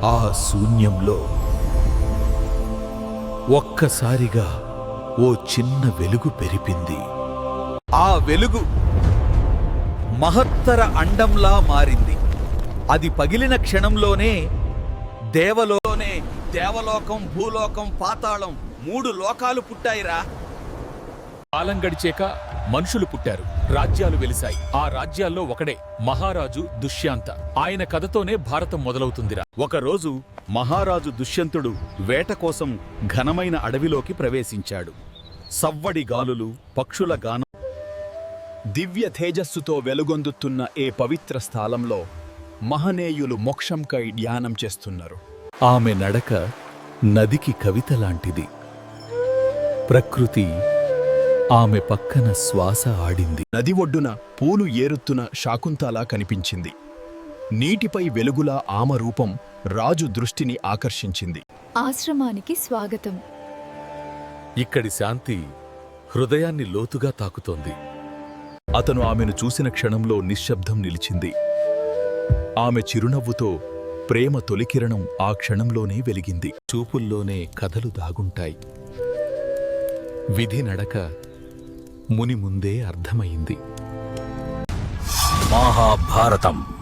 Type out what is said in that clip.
ఆ శూన్యంలో ఒక్కసారిగా ఓ చిన్న వెలుగు పెరిపింది. ఆ వెలుగు మహత్తర అండంలా మారింది. అది పగిలిన క్షణంలోనే దేవలోకం, భూలోకం, పాతాళం 3 లోకాలు పుట్టాయిరా. కాలం గడిచాక మనుషులు పుట్టారు, రాజ్యాలు వెలిశాయి. ఆ రాజ్యాల్లో ఒకడే మహారాజు దుష్యంత. ఆయన కథతోనే భారతం మొదలవుతుందిరా. ఒకరోజు మహారాజు దుష్యంతుడు వేట కోసం ఘనమైన అడవిలోకి ప్రవేశించాడు. సవ్వడి గాలులు, పక్షుల గానం, దివ్య తేజస్సుతో వెలుగొందుతున్న ఏ పవిత్ర స్థలంలో మహనీయులు మోక్షంకై ధ్యానం చేస్తున్నారు. ఆమె నడక నదికి కవితలాంటిది. ప్రకృతి ఆమె పక్కన శ్వాస ఆడింది. నది ఒడ్డున పూలు ఏరుతున్న శాకుంతలా కనిపించింది. నీటిపై వెలుగులా ఆమె రూపం రాజు దృష్టిని ఆకర్షించింది. ఆశ్రమానికి స్వాగతం. ఇక్కడి శాంతి హృదయాన్ని లోతుగా తాకుతోంది. అతను ఆమెను చూసిన క్షణంలో నిశ్శబ్దం నిలిచింది. ఆమె చిరునవ్వుతో ప్రేమ తొలికిరణం ఆ క్షణంలోనే వెలిగింది. చూపుల్లోనే కథలు దాగుంటాయి. విధి నడక ముని ముందే అర్థమైంది. మహాభారతం.